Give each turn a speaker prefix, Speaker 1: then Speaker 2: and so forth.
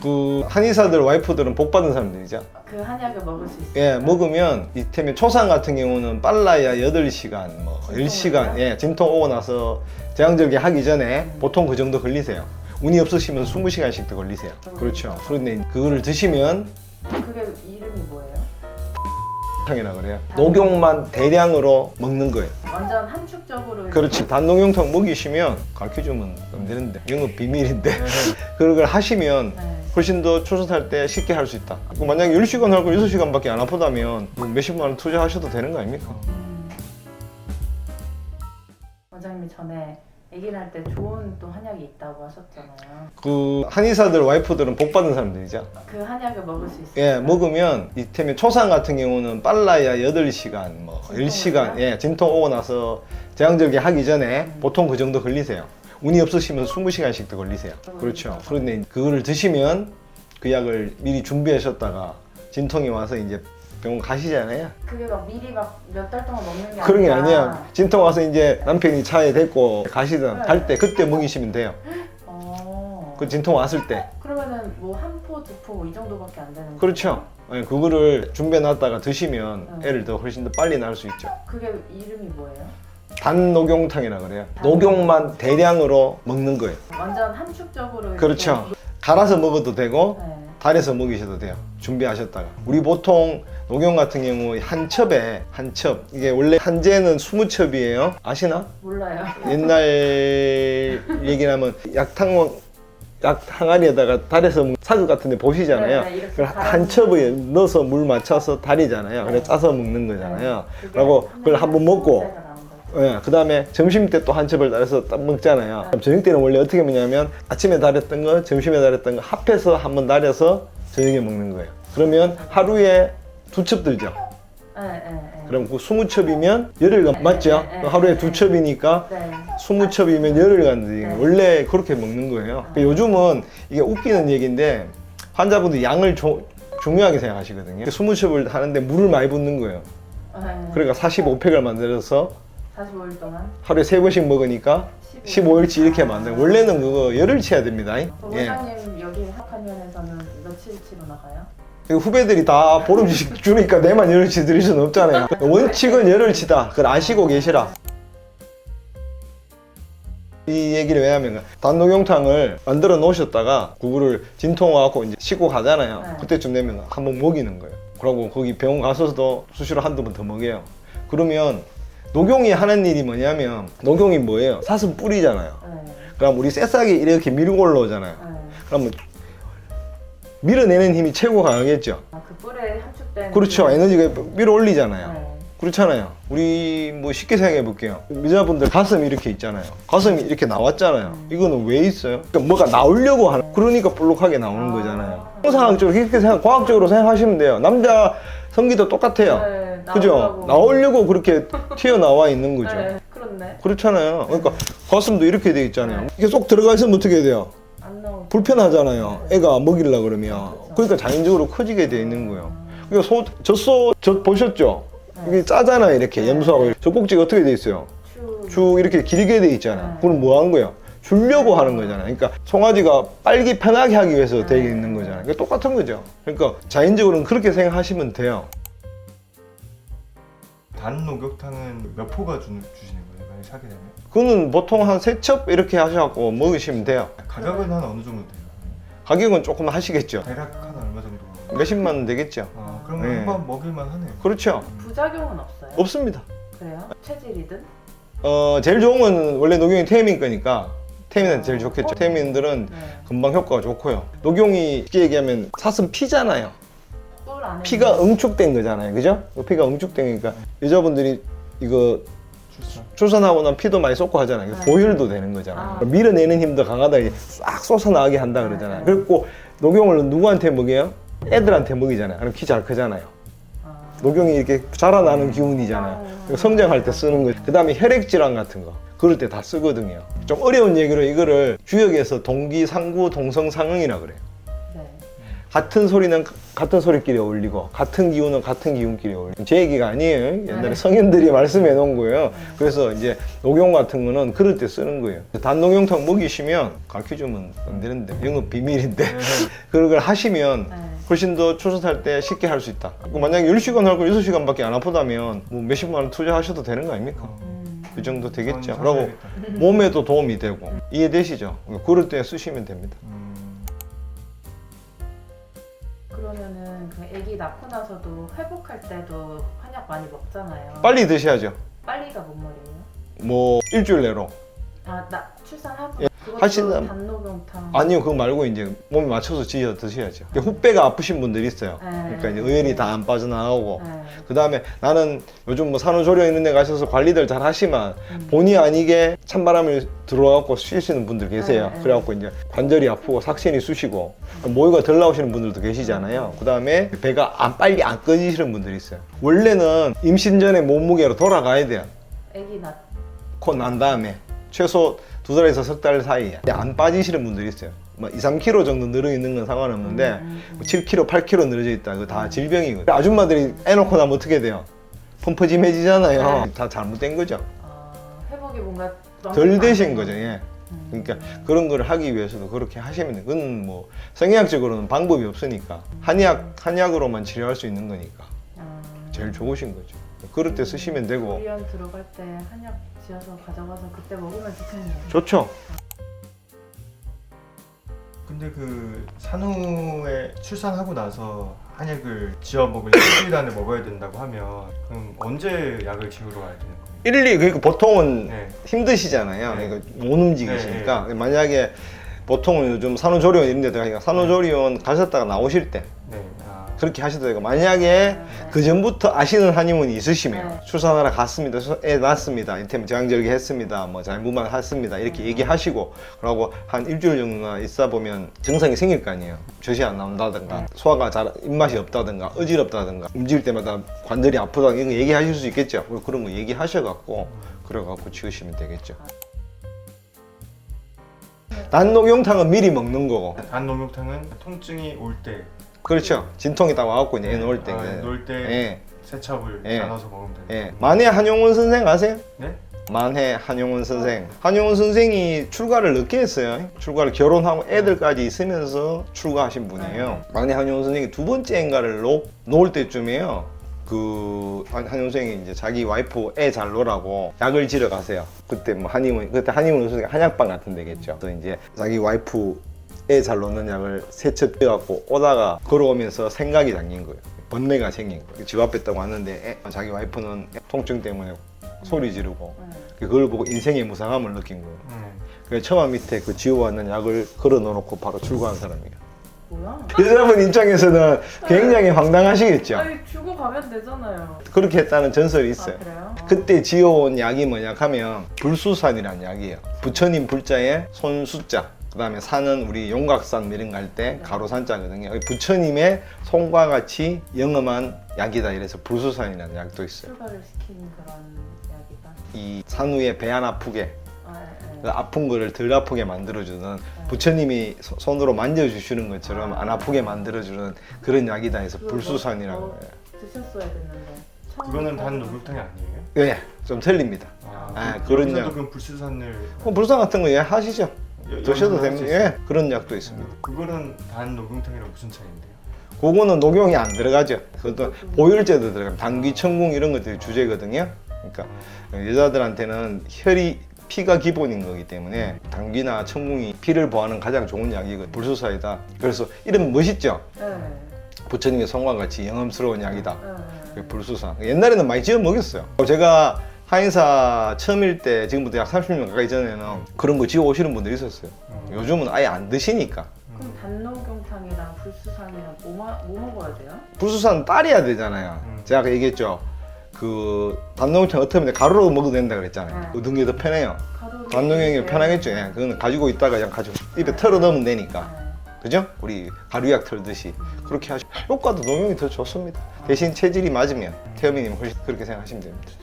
Speaker 1: 그 한의사들 와이프들은 복 받은 사람들이죠.
Speaker 2: 그 한약을 먹을 수 있어요?
Speaker 1: 예, 먹으면 이태면 초상 같은 경우는 빨라야 8시간, 뭐 10시간, 예, 진통 오고 나서 제왕절개 하기 전에 보통 그 정도 걸리세요. 운이 없으시면 20시간씩 더 걸리세요. 그렇죠. 그런데 그거를 드시면
Speaker 2: 그게 이름이 뭐예요?
Speaker 1: 이라 그래요. 녹용만 대량으로 먹는 거예요.
Speaker 2: 완전 함축적으로.
Speaker 1: 그렇지. 단녹용탕 먹이시면 가르쳐주면 안 되는데 영업 비밀인데 그걸 하시면
Speaker 2: 네.
Speaker 1: 훨씬 더 초선할 때 쉽게 할 수 있다. 만약에 10시간 하고 6시간밖에 안 아프다면 몇십만 원 투자하셔도 되는 거 아닙니까?
Speaker 2: 원장님이 전에 아기를 할 때 좋은 또 한약이 있다고 하셨잖아요.
Speaker 1: 그 한의사들 와이프들은 복 받은 사람들이죠.
Speaker 2: 그 한약을 먹을 수 있어요?
Speaker 1: 예, 먹으면 이태면 초상 같은 경우는 빨라야 8시간, 뭐 10시간, 예, 진통 오고 나서 제왕절개 하기 전에 보통 그 정도 걸리세요. 운이 없으시면 20시간씩 더 걸리세요. 그렇죠. 그런데 그거를 드시면 그 약을 미리 준비하셨다가 진통이 와서 이제 병원 가시잖아요.
Speaker 2: 그게 막 미리 막 몇 달 동안 먹는 게
Speaker 1: 그런 게
Speaker 2: 아니라.
Speaker 1: 아니에요. 진통 와서 이제 남편이 차에 데리고 가시든 할 때 그때 먹이시면 돼요. 그 진통 왔을 때.
Speaker 2: 그러면은 뭐 한 포, 두 포 이 정도밖에 안 되는 거예요?
Speaker 1: 그렇죠. 예, 그거를 준비해놨다가 드시면 애를 더 훨씬 더 빨리 낳을 수 있죠.
Speaker 2: 그게 이름이 뭐예요?
Speaker 1: 단녹용탕이라 그래요. 녹용만 대량으로 먹는 거예요.
Speaker 2: 완전 함축적으로.
Speaker 1: 그렇죠. 갈아서 먹어도 되고
Speaker 2: 네.
Speaker 1: 달여서 먹이셔도 돼요. 준비하셨다가. 우리 보통 녹용 같은 경우 한 첩에 한 첩. 이게 원래 한재는 20첩이에요. 아시나?
Speaker 2: 몰라요.
Speaker 1: 옛날 얘기라면 약 항아리에다가 달여서 사극 같은 데 보시잖아요.
Speaker 2: 네, 이렇게
Speaker 1: 그걸 한 첩에 넣어서 물 맞춰서 달이잖아요. 그래서 짜서 먹는 거잖아요. 그리고 그걸 한번 먹고 예, 그 다음에 점심 때 또 한 첩을 달여서 딱 먹잖아요. 그럼 저녁 때는 원래 어떻게 먹냐면 아침에 달였던 거, 점심에 달였던 거 합해서 한번 달여서 저녁에 먹는 거예요. 그러면 하루에 2첩 들죠.
Speaker 2: 네.
Speaker 1: 그럼 그 20첩이면 열흘간 맞죠? 하루에 2첩이니까
Speaker 2: 네.
Speaker 1: 20첩이면 열흘간
Speaker 2: 네.
Speaker 1: 원래 그렇게 먹는 거예요. 요즘은 이게 웃기는 얘기인데 환자분들이 양을 중요하게 생각하시거든요. 20첩을 하는데 물을 많이 붓는 거예요. 그러니까 45팩을 만들어서
Speaker 2: 45일 동안
Speaker 1: 하루에 3번씩 먹으니까 15일치 이렇게 만드는. 원래는 그거 열흘치 해야 됩니다. 예.
Speaker 2: 원장님 여기 학학년에서는 며칠치로 나가요?
Speaker 1: 후배들이 다 보름씩 주니까 내만 열흘치 드릴 수는 없잖아요. 원칙은 열흘치다. 그걸 아시고 계시라. 이 얘기를 왜 하면 단녹용탕을 만들어 놓으셨다가 그거를 진통 와갖고 이제 씻고 가잖아요.
Speaker 2: 네.
Speaker 1: 그때쯤 되면 한번 먹이는 거예요. 그러고 거기 병원 가서도 수시로 한두 번 더 먹여요. 그러면 녹용이 하는 일이 뭐냐면 녹용이 뭐예요? 사슴 뿌리잖아요.
Speaker 2: 네.
Speaker 1: 그럼 우리 새싹이 이렇게 밀고 올라오잖아요.
Speaker 2: 네.
Speaker 1: 그러면 밀어내는 힘이 최고 강하겠죠.
Speaker 2: 그 뿔에 함축된.
Speaker 1: 그렇죠. 에너지가 밀어 올리잖아요.
Speaker 2: 네.
Speaker 1: 그렇잖아요. 우리 뭐 쉽게 생각해 볼게요. 여자분들 가슴이 이렇게 있잖아요. 가슴이 이렇게 나왔잖아요. 이거는 왜 있어요? 그러니까 뭐가 나오려고 하는, 그러니까 볼록하게 나오는 거잖아요. 통상학적으로 그렇게 과학적으로 생각하시면 돼요. 남자 성기도 똑같아요.
Speaker 2: 네,
Speaker 1: 그죠? 나오려고 그렇게 튀어나와 있는 거죠.
Speaker 2: 네, 그렇네.
Speaker 1: 그렇잖아요. 그러니까 가슴도 이렇게 돼 있잖아요. 이게 쏙 들어가 있으면 어떻게 돼요?
Speaker 2: 안 나오고.
Speaker 1: 불편하잖아요. 애가 먹이려고 그러면. 그러니까 자연적으로 커지게 돼 있는 거예요. 그러니까 젖 보셨죠? 이게 짜잖아요. 이렇게 염소하고. 젖꼭지가 어떻게 돼 있어요? 쭉 이렇게 길게 돼 있잖아요. 그럼 뭐 하는 거예요? 주려고 하는 거잖아요. 그러니까 송아지가 빨기 편하게 하기 위해서 되어 있는 거잖아요. 그러니까 똑같은 거죠. 그러니까 자연적으로는 그렇게 생각하시면 돼요.
Speaker 3: 단녹용탕은 몇 포가 주시는 거예요? 만약 사게 되면?
Speaker 1: 그거는 보통 한 3첩 이렇게 하셔갖고 먹으시면 돼요.
Speaker 3: 가격은 한 어느 정도 돼요?
Speaker 1: 가격은 조금 하시겠죠.
Speaker 3: 대략 한 얼마 정도?
Speaker 1: 몇십만 원 되겠죠.
Speaker 3: 그러면
Speaker 1: 네.
Speaker 3: 한번 먹일만 하네요.
Speaker 1: 그렇죠.
Speaker 2: 부작용은 없어요?
Speaker 1: 없습니다.
Speaker 2: 그래요? 체질이든?
Speaker 1: 제일 좋은 건 원래 녹용이 태민 거니까 태민한테 제일 좋겠죠. 태민들은
Speaker 2: 네.
Speaker 1: 금방 효과가 좋고요. 녹용이 쉽게 얘기하면 사슴 피잖아요.
Speaker 2: 뿔 안에.
Speaker 1: 피가 응축된 거잖아요. 그죠? 피가 응축된 거니까 여자분들이 이거 출산하고 난 피도 많이 쏟고 하잖아요.
Speaker 2: 네.
Speaker 1: 보혈도 되는 거잖아요. 밀어내는 힘도 강하다. 싹 쏟아나가게 한다 그러잖아요. 그리고 녹용을 누구한테 먹여요? 애들한테 먹이잖아요. 그럼 키 잘 크잖아요. 녹용이 이렇게 자라나는 기운이잖아요. 성장할 때 쓰는 거죠. 그 다음에 혈액질환 같은 거 그럴 때 다 쓰거든요. 좀 어려운 얘기로 이거를 주역에서 동기상구 동성상응이라 그래요.
Speaker 2: 네.
Speaker 1: 같은 소리는 같은 소리끼리 어울리고 같은 기운은 같은 기운끼리 어울리고 제 얘기가 아니에요. 옛날에 성인들이 말씀해 놓은 거예요. 그래서 이제 녹용 같은 거는 그럴 때 쓰는 거예요. 단녹용탕 먹이시면 가르쳐주면 안 되는데 영업 비밀인데 그런 걸 하시면
Speaker 2: 네.
Speaker 1: 훨씬 더 출산할 때 쉽게 할 수 있다. 만약에 10시간 할 거 6시간밖에 안 아프다면 뭐 몇십만 원 투자하셔도 되는 거 아닙니까? 그 정도 되겠죠.
Speaker 3: 전
Speaker 1: 그리고
Speaker 3: 사셔야겠다.
Speaker 1: 몸에도 도움이 되고 이해되시죠? 그럴 때 쓰시면 됩니다.
Speaker 2: 그러면은 그 아기 낳고 나서도 회복할 때도 한약 많이 먹잖아요.
Speaker 1: 빨리 드셔야죠.
Speaker 2: 빨리가 뭔 말이에요?
Speaker 1: 뭐 일주일 내로.
Speaker 2: 나 출산하고
Speaker 1: 예,
Speaker 2: 그것도
Speaker 1: 하시는-
Speaker 2: 단녹용탕.
Speaker 1: 아니요, 그거 말고 이제 몸에 맞춰서 지어 드셔야죠. 후배가 아프신 분들이 있어요. 그러니까 이제 의연이 다 안 빠져나가고.
Speaker 2: 네.
Speaker 1: 그 다음에 나는 요즘 뭐 산후조리원 있는 데 가셔서 관리들 잘 하시면 본의 아니게 찬바람을 들어와갖고 쉬시는 분들 계세요.
Speaker 2: 네.
Speaker 1: 그래갖고 이제 관절이 아프고 삭신이 쑤시고 모유가 덜 나오시는 분들도 계시잖아요. 그 다음에 배가 빨리 안 꺼지시는 분들이 있어요. 원래는 임신 전에 몸무게로 돌아가야 돼요.
Speaker 2: 아기
Speaker 1: 코 난 다음에 최소 2달에서 석 달 사이에 안 빠지시는 분들이 있어요. 뭐 2, 3kg 정도 늘어 있는 건 상관없는데 뭐 7kg, 8kg 늘어져 있다. 그거 다 질병이거든요. 아줌마들이 애놓고 나면 어떻게 돼요? 펌퍼짐해지잖아요.
Speaker 2: 네.
Speaker 1: 다 잘못된 거죠.
Speaker 2: 회복이 뭔가
Speaker 1: 덜 되신 거죠. 예. 그러니까 그런 걸 하기 위해서도 그렇게 하시면 돼요. 그건 뭐 성의학적으로는 방법이 없으니까 한약으로만 치료할 수 있는 거니까 제일 좋으신 거죠. 그럴 때 쓰시면 되고.
Speaker 2: 조리원 들어갈 때 한약 지어서 가져가서 그때 먹으면 좋겠네요.
Speaker 1: 좋죠.
Speaker 3: 근데 그 산후에 출산하고 나서 한약을 지어 먹을 일주일 안에 먹어야 된다고 하면 그럼 언제 약을 지우러 가야 되는 거예요?
Speaker 1: 1, 2, 그러니까 보통은
Speaker 3: 네.
Speaker 1: 힘드시잖아요.
Speaker 3: 네.
Speaker 1: 그러니까 못 움직이시니까. 만약에 보통은 요즘 산후조리원 이런 데 들어가니까 산후조리원 가셨다가 나오실 때
Speaker 3: 네.
Speaker 1: 그렇게 하셔도 되고, 만약에 그 전부터 아시는 한의원이 있으시면
Speaker 2: 네.
Speaker 1: 출산하러 갔습니다, 애 낳았습니다, 이때면 제왕절개 했습니다, 뭐 잘못만 했습니다 이렇게 얘기하시고 그러고 한 일주일 정도나 있어 보면 증상이 생길 거 아니에요. 젖이 안 나온다든가 소화가 잘 입맛이 없다든가 어지럽다든가 움직일 때마다 관절이 아프다 이런 거 얘기하실 수 있겠죠. 그런 거 얘기하셔갖고 그래갖고 지으시면 되겠죠. 단녹용탕은 미리 먹는 거고.
Speaker 3: 단녹용탕은 통증이 올 때,
Speaker 1: 그렇죠. 진통이 딱 와갖고 이제 애 놓을 때.
Speaker 3: 놓을 때
Speaker 1: 예.
Speaker 3: 세첩을
Speaker 1: 예.
Speaker 3: 나눠서 먹으면 돼요.
Speaker 1: 예. 만해 한용운 선생 아세요?
Speaker 3: 네?
Speaker 1: 만해 한용운 선생. 한용운 선생이 출가를 늦게 했어요. 출가를 결혼하고 애들까지 있으면서 출가하신 분이에요. 만해 한용운 선생이 두 번째 인가를 놓을 때쯤에요. 그 한용운 선생이 이제 자기 와이프 애 잘 놀라고 약을 지러 가세요. 그때 뭐 그때 한의원 선생이 한약방 같은 데겠죠. 그래서 이제 자기 와이프 애 잘 놓는 약을 세첩 떼갖고 오다가 걸어오면서 생각이 잠긴 거예요. 번뇌가 생긴 거예요. 집 앞에 있다고 왔는데 자기 와이프는 통증 때문에 소리 지르고 그걸 보고 인생의 무상함을 느낀 거예요. 그래서 처마 밑에 그 지워왔는 약을 걸어 놓고 바로 출고한 사람이에요.
Speaker 2: 뭐야?
Speaker 1: 여자분 입장에서는 굉장히 황당하시겠죠.
Speaker 2: 아니 주고 가면 되잖아요.
Speaker 1: 그렇게 했다는 전설이 있어요.
Speaker 2: 아 그래요?
Speaker 1: 그때 지어온 약이 뭐냐 하면 불수산이라는 약이에요. 부처님 불자에 손수자, 그 다음에 산은 우리 용각산 이런 거 할 때 가로산자거든요. 부처님의 손과 같이 영험한 약이다 이래서 불수산이라는 약도 있어요.
Speaker 2: 출가를 시키는 그런 약이다.
Speaker 1: 이 산후에 배 안 아프게,
Speaker 2: 네.
Speaker 1: 아픈 거를 덜 아프게 만들어주는, 부처님이 손으로 만져주시는 것처럼 안 아프게 만들어주는 그런 약이다 해서 불수산이라고 해요.
Speaker 2: 드셨어야 됐는데.
Speaker 3: 그거는 단녹용탕이 아니에요?
Speaker 1: 네, 좀 틀립니다. 그런 약.
Speaker 3: 그럼 불수산을
Speaker 1: 불수산 같은 거 예, 하시죠. 드셔도
Speaker 3: 할수
Speaker 1: 됩니다.
Speaker 3: 있어요?
Speaker 1: 예, 그런 약도 있습니다.
Speaker 3: 그거는 단녹용탕이랑 무슨 차이인데요?
Speaker 1: 그거는 녹용이 안 들어가죠. 그것도 보혈제도 들어가요. 당귀, 청궁 이런 것들이 주제거든요. 그러니까 여자들한테는 피가 기본인 거기 때문에 당귀나 청궁이 피를 보하는 가장 좋은 약이거든요. 불수사이다. 그래서 이름 멋있죠?
Speaker 2: 네.
Speaker 1: 부처님의 손과 같이 영험스러운 약이다.
Speaker 2: 네.
Speaker 1: 불수사. 옛날에는 많이 지어 먹였어요. 제가 한의사 처음일 때, 지금부터 약 30년 가까이 전에는 그런 거 지어 오시는 분들이 있었어요. 요즘은 아예 안 드시니까.
Speaker 2: 그럼 단녹용탕이랑 불수산이랑 뭐 먹어야 돼요?
Speaker 1: 불수산 따려야 되잖아요. 제가 아까 얘기했죠. 그 단녹용탕 어떻게 하면 가루로 먹어도 된다 그랬잖아요.
Speaker 2: 네.
Speaker 1: 얻은 게 더 편해요.
Speaker 2: 가루로
Speaker 1: 단녹용이
Speaker 2: 드세요?
Speaker 1: 편하겠죠. 예. 그건 가지고 있다가 그냥 가지고 입에 털어 넣으면 되니까.
Speaker 2: 네.
Speaker 1: 그죠? 우리 가루약 털듯이 그렇게 하시면 효과도 녹용이 더 좋습니다. 대신 체질이 맞으면 태어미님 훨씬 그렇게 생각하시면 됩니다.